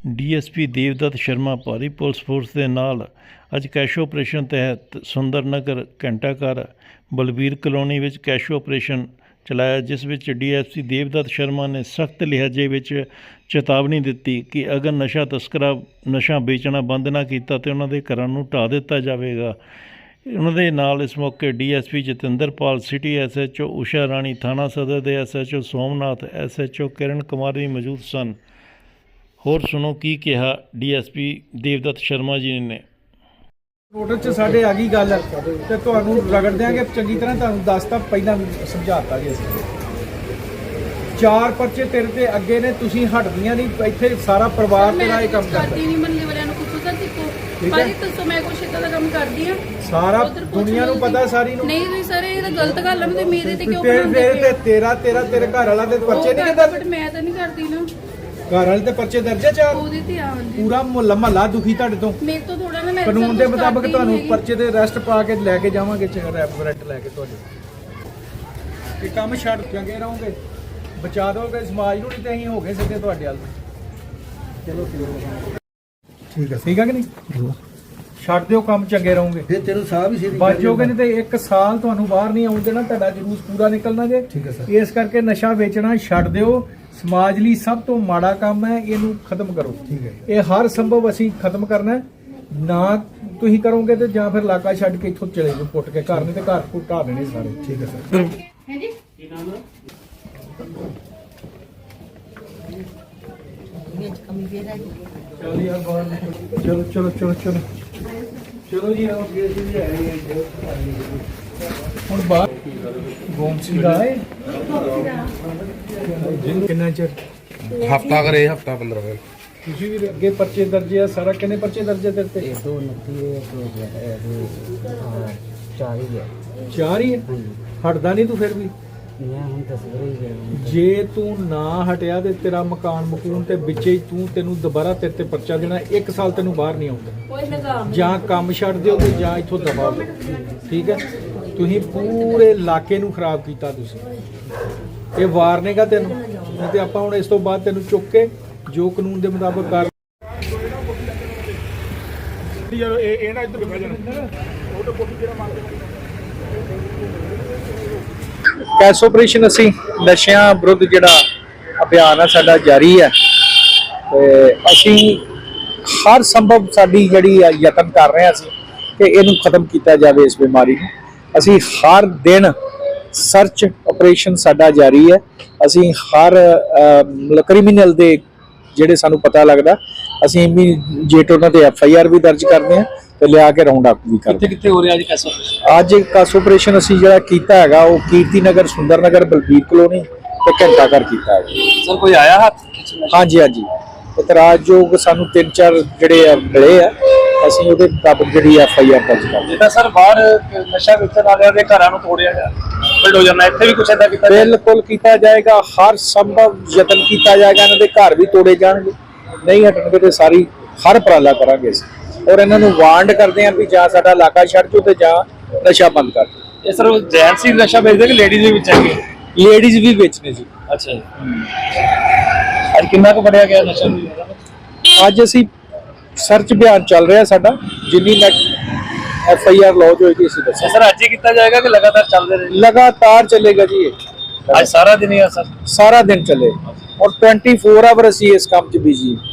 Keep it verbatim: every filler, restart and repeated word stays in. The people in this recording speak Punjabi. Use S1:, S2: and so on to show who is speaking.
S1: D S P Devdutt Sharma ਭਾਰੀ ਪੁਲਿਸ ਫੋਰਸ ਦੇ ਨਾਲ ਅੱਜ ਕੈਸ਼ ਆਪਰੇਸ਼ਨ ਤਹਿਤ ਸੁੰਦਰ ਨਗਰ ਘੰਟਾ ਘਰ ਬਲਬੀਰ ਕਲੋਨੀ ਵਿੱਚ ਕੈਸ਼ ਆਪਰੇਸ਼ਨ ਚਲਾਇਆ, ਜਿਸ ਵਿੱਚ D S P Devdutt Sharma ਨੇ ਸਖਤ ਲਿਹਾਜ਼ੇ ਵਿੱਚ ਚੇਤਾਵਨੀ ਦਿੱਤੀ ਕਿ ਅਗਰ ਨਸ਼ਾ ਤਸਕਰਾਂ ਨਸ਼ਾ ਵੇਚਣਾ ਬੰਦ ਨਾ ਕੀਤਾ ਤਾਂ ਉਹਨਾਂ ਦੇ ਘਰਾਂ ਨੂੰ ਢਾਹ ਦਿੱਤਾ ਜਾਵੇਗਾ। ਉਹਨਾਂ ਦੇ ਨਾਲ ਇਸ ਮੌਕੇ D S P Jatinderpal, city S H O Usha Rani, ਥਾਣਾ ਸਦਰ ਦੇ S H O Somnath, S H O Kiran Kumar ਵੀ ਮੌਜੂਦ ਸਨ। ਹੋਰ ਸੁਣੋ ਕੀ ਕਿਹਾ D S P Devdutt Sharma ji ਨੇ।
S2: ਰੋਡਰ 'ਚ ਸਾਡੇ ਆ ਗਈ ਗੱਲ ਤੇ ਤੁਹਾਨੂੰ ਰਗੜ ਦਿਆਂਗੇ ਚੰਗੀ ਤਰ੍ਹਾਂ। ਤੁਹਾਨੂੰ ਦੱਸਤਾ ਪਹਿਲਾਂ ਸਮਝਾਤਾ ਜੀ ਅਸੀਂ। ਚਾਰ ਪਰਚੇ ਤੇਰੇ ਤੇ ਅੱਗੇ ਨੇ, ਤੁਸੀਂ ਹਟਦੀਆਂ ਨਹੀਂ। ਇੱਥੇ ਸਾਰਾ ਪਰਿਵਾਰ ਤੇਰਾ ਇਹ ਕੰਮ ਕਰਦਾ
S3: ਨਹੀਂ। ਮੰਨੇ ਵਾਲਿਆਂ ਨੂੰ ਪੁੱਛੋ ਤਾਂ ਦੇਖੋ ਭਾਜੀ ਦੱਸੋ ਮੈਂ ਕੁਛ ਇਦਾਂ ਦਾ ਕੰਮ ਕਰਦੀ ਆ।
S2: ਸਾਰਾ ਦੁਨੀਆ ਨੂੰ ਪਤਾ, ਸਾਰੀ ਨੂੰ।
S3: ਨਹੀਂ ਵੀ ਸਰ ਇਹ ਤਾਂ ਗਲਤ ਗੱਲ ਆ। ਤੇ ਮੇਰੇ ਤੇ ਕਿਉਂ
S2: ਤੇਰੇ ਤੇ ਤੇਰਾ ਤੇਰਾ ਤੇਰੇ ਘਰ ਵਾਲਾ ਦੇ ਪਰਚੇ ਨਹੀਂ ਕਿਦਾਂ?
S3: ਬਟ ਮੈਂ ਤਾਂ ਨਹੀਂ ਕਰਦੀ ਨਾ।
S2: ਘਰ ਵਾਲੇ ਤੇ ਪਰਚੇ ਦਰਜ ਹੈ ਚਾਰ।
S3: ਉਹਦੇ ਤੇ ਆ
S2: ਪੂਰਾ ਮੁਹੱਲਾ ਮਹੱਲਾ ਦੁਖੀ ਤੁਹਾਡੇ ਤੋਂ।
S3: ਮੇਰੇ ਤੋਂ ਥੋੜਾ ਨਾ। ਮੈਂ
S2: ਕਾਨੂੰਨ ਦੇ ਮੁਤਾਬਕ ਤੁਹਾਨੂੰ ਪਰਚੇ ਦੇ ਅਰੈਸਟ ਪਾ ਕੇ ਲੈ ਕੇ ਜਾਵਾਂਗੇ, ਰੈਪਰੈਂਟ ਲੈ ਕੇ ਤੁਹਾਡੇ। ਇਹ ਕੰਮ ਛੱਡ ਚੰਗੇ ਰਹੋਗੇ, ਬਚਾ ਦੋਗੇ ਸਮਾਜ ਨੂੰ। ਨਹੀਂ ਤੇ ਅਸੀਂ ਹੋ ਗਏ ਸਿੱਧੇ ਤੁਹਾਡੇ ਵੱਲ। ਚਲੋ ਠੀਕ ਹੈ, ਠੀਕ ਹੈ ਕਿ ਨਹੀਂ? ਛੱਡ ਦਿਓ ਕੰਮ, ਚੰਗੇ ਰਹੋਗੇ।
S4: ਫਿਰ ਤੈਨੂੰ ਸਾਹ ਵੀ ਸਿੱਧੀ
S2: ਬਚ ਜਾਓਗੇ, ਨਹੀਂ ਤੇ ਇੱਕ ਸਾਲ ਤੁਹਾਨੂੰ ਬਾਹਰ ਨਹੀਂ ਆਉਣ ਦੇਣਾ। ਤੁਹਾਡਾ ਜਲੂਸ ਪੂਰਾ ਨਿਕਲਣਾ ਜੇ।
S4: ਠੀਕ ਹੈ ਸਰ।
S2: ਇਸ ਕਰਕੇ ਨਸ਼ਾ ਵੇਚਣਾ ਛੱਡ ਦਿਓ। ਸਮਾਜ ਲਈ ਸਭ ਤੋਂ ਮਾੜਾ ਕੰਮ ਹੈ, ਇਹਨੂੰ ਖਤਮ ਕਰੋ। ਠੀਕ ਹੈ। ਇਹ ਹਰ ਸੰਭਵ ਅਸੀਂ ਖਤਮ ਕਰਨਾ ਨਾ। ਤੁਸੀਂ ਕਰੋਗੇ ਤੇ ਜਾਂ ਫਿਰ ਇਲਾਕਾ ਛੱਡ ਕੇ ਇੱਥੋਂ ਚਲੇ ਜਾਓ ਪੁੱਟ ਕੇ ਘਰ। ਨਹੀਂ ਤੇ ਘਰ ਘੁੱਟ ਢਾਹ ਦੇਣੇ ਸਾਰੇ। ਠੀਕ ਹੈ ਸਰ।
S3: ਹਾਂਜੀ ਕੀ ਨਾਮ ਹੈ?
S2: ਚਲੋ ਯਾਰ ਬਾਹਰ ਨਿਕਲੋ। ਚਲੋ ਚਲੋ ਚਲੋ ਚਲੋ ਚਲੋ ਜੀ। ਆਓ ਜੀ ਜੀ ਆ ਰਹੇ ਹੁਣ ਬਾਹਰ ਗੋਮਸੀ ਦਾ ਹੈ। ਕਿੰਨਾ ਚਿਰ?
S4: ਹਫਤਾ ਕਰੇ, ਹਫਤਾ ਪੰਦਰਾਂ ਦਿਨ।
S2: ਤੁਸੀਂ ਵੀ ਅੱਗੇ ਪਰਚੇ ਦਰਜ ਆ ਸਾਰਾ। ਕਿੰਨੇ ਪਰਚੇ ਦਰਜ ਆ ਤੇਰੇ ਤੇ?
S5: ਦੋ ਨੱਤੀ ਚਾਰ ਹੀ ਹੈ।
S2: ਚਾਰ ਹੀ ਹੈ। ਹਟਦਾ ਨਹੀਂ ਤੂੰ ਫਿਰ ਵੀ?
S5: ਮੈਂ ਹੁਣ ਤਸਵੀਰ ਹੀ ਗਿਆ।
S2: ਜੇ ਤੂੰ ਨਾ ਹਟਿਆ ਤੇ ਤੇਰਾ ਮਕਾਨ ਮਕੂਨ ਤੇ ਵਿੱਚੇ ਹੀ ਤੂੰ ਤੈਨੂੰ ਦੁਬਾਰਾ ਤੇਰੇ ਤੇ ਪਰਚਾ ਦੇਣਾ। ਇੱਕ ਸਾਲ ਤੈਨੂੰ ਬਾਹਰ ਨਹੀਂ ਆਉਂਦਾ।
S3: ਕੋਈ ਲਗਾਮ
S2: ਜਾਂ ਕੰਮ ਛੱਡ ਦਿਓ ਤੇ ਜਾਂ ਇੱਥੋਂ ਦਬਾ ਦਿਓ। ਠੀਕ ਹੈ। ਤੁਸੀਂ ਪੂਰੇ ਇਲਾਕੇ ਨੂੰ ਖਰਾਬ ਕੀਤਾ ਤੁਸੀਂ। ਇਹ ਵਾਰਨੇਗਾ ਤੈਨੂੰ। ਨਹੀਂ ਤੇ ਆਪਾਂ ਹੁਣ ਇਸ ਤੋਂ ਬਾਅਦ ਤੈਨੂੰ ਚੁੱਕ ਕੇ ਜੋ ਕਾਨੂੰਨ ਦੇ ਮੁਤਾਬਕ ਕਰ। ਇਹ ਨਾ ਇੱਧਰ ਬਹਿ ਜਾਣਾ। ਉਹ ਤਾਂ ਕੋਠੀ ਜਿਹੜਾ ਮੰਗਦੇ ਕੈਸ਼ ਆਪਰੇਸ਼ਨ ਅਸੀਂ ਨਸ਼ਿਆਂ ਵਿਰੁੱਧ ਜਿਹੜਾ ਅਭਿਆਨ ਆ ਸਾਡਾ ਜਾਰੀ ਹੈ ਤੇ ਅਸੀਂ ਹਰ ਸੰਭਵ ਸਾਡੀ ਜਿਹੜੀ ਯਤਨ ਕਰ ਰਹੇ ਹਾਂ ਅਸੀਂ ਕਿ ਇਹਨੂੰ ਖਤਮ ਕੀਤਾ ਜਾਵੇ, ਇਸ ਬਿਮਾਰੀ ਨੂੰ। ਅਸੀਂ ਹਰ ਦਿਨ ਸਰਚ ਆਪਰੇਸ਼ਨ ਸਾਡਾ ਜਾਰੀ ਹੈ। ਅਸੀਂ ਹਰ ਕ੍ਰਿਮੀਨਲ ਦੇ ਜਿਹੜੇ ਸਾਨੂੰ ਪਤਾ ਲੱਗਦਾ ਅਸੀਂ ਇਮੀਡੀਏਟ ਉਹਨਾਂ ਤੇ ਐਫ ਆਈ ਆਰ ਵੀ ਦਰਜ ਕਰਦੇ ਹਾਂ ਤੇ ਲਿਆ ਕੇ ਰਾਉਂਡ ਅਪ ਵੀ ਕਰਦੇ।
S6: ਕਿੱਥੇ ਹੋ ਰਿਹਾ ਜੀ ਕੈਸ਼ ਆਪਰੇਸ਼ਨ?
S2: ਅੱਜ ਕੈਸ਼ ਆਪਰੇਸ਼ਨ ਅਸੀਂ ਜਿਹੜਾ ਕੀਤਾ ਹੈਗਾ ਉਹ ਕੀਰਤੀ ਨਗਰ, ਸੁੰਦਰ ਨਗਰ, ਬਲਬੀਰ ਕਲੋਨੀ ਤੇ ਘੰਟਾ ਘਰ ਕੀਤਾ ਹੈ।
S6: ਸਰ ਕੋਈ ਆਇਆ ਹੱਥ?
S2: ਹਾਂਜੀ ਹਾਂਜੀ। ਇਤਰਾਜ਼ਯੋਗ ਸਾਨੂੰ ਤਿੰਨ ਚਾਰ ਜਿਹੜੇ ਆ ਮਿਲੇ ਆ, ਅਸੀਂ ਉਹਦੇ ਮੁਤਾਬਕ ਜਿਹੜੀ ਐਫ ਆਈ ਆਰ ਦਰਜ ਕਰ।
S6: ਜਿੱਦਾਂ ਸਰ ਬਾਹਰ ਨਸ਼ਾ ਵੇਚਣ ਵਾਲਿਆਂ ਦੇ ਘਰਾਂ ਨੂੰ ਤੋੜਿਆ ਗਿਆ, ਬਿਲਡ ਹੋ ਜਾਣਾ, ਇੱਥੇ ਵੀ ਕੁਛ ਏਦਾਂ ਕੀਤਾ?
S2: ਬਿਲਕੁਲ ਕੀਤਾ ਜਾਏਗਾ। ਹਰ ਸੰਭਵ ਯਤਨ ਕੀਤਾ ਜਾਏਗਾ। ਇਹਨਾਂ ਦੇ ਘਰ ਵੀ ਤੋੜੇ ਜਾਣਗੇ। ਨਹੀਂ ਹਟਣਗੇ ਤੇ ਸਾਰੀ ਹਰ ਉਪਰਾਲਾ ਕਰਾਂਗੇ ਅਸੀਂ। ਔਰ ਇਹਨਾਂ ਨੂੰ ਵਾਰਨਡ ਕਰਦੇ ਹਾਂ ਵੀ ਜਾਂ ਸਾਡਾ ਇਲਾਕਾ ਛੱਡ ਜਾਓ ਤੇ ਜਾਂ ਨਸ਼ਾ ਬੰਦ ਕਰ ਦਿਓ।
S6: ਇਹ ਸਰ ਜੈਂਟਸ ਹੀ ਨਸ਼ਾ ਵੇਚਦੇ ਕਿ ਲੇਡੀਜ਼ ਵੀ ਵੇਚਣਗੇ?
S2: ਲੇਡੀਜ਼ ਵੀ ਵੇਚਣੇ ਜੀ।
S6: ਅੱਛਾ ਜੀ। ਅੱਜ ਕਿੰਨਾ ਕੁ ਫੜਿਆ ਗਿਆ ਨਸ਼ਾ?
S2: ਅੱਜ ਅਸੀਂ ਸਰਚ ਅਭਿਆਨ ਚੱਲ ਰਿਹਾ ਸਾਡਾ। ਜਿੰਨੀ ਨੈਟ ਐਫ ਆਈ ਆਰ ਲੌਜ ਹੋਏਗੀ ਅਸੀਂ ਦੱਸਾਂ।
S6: ਸਰ ਅੱਜ ਹੀ ਕੀਤਾ ਜਾਏਗਾ ਕਿ ਲਗਾਤਾਰ ਚੱਲਦੇ ਰਹੇ?
S2: ਲਗਾਤਾਰ ਚੱਲੇਗਾ ਜੀ ਇਹ।
S6: ਅੱਜ ਸਾਰਾ ਦਿਨ ਹੀ ਆ ਸਰ?
S2: ਸਾਰਾ ਦਿਨ ਚੱਲੇ ਔਰ ਚੌਬੀ ਆਵਰ ਅਸੀਂ ਇਸ ਕੰਮ 'ਚ ਬਿਜੀ।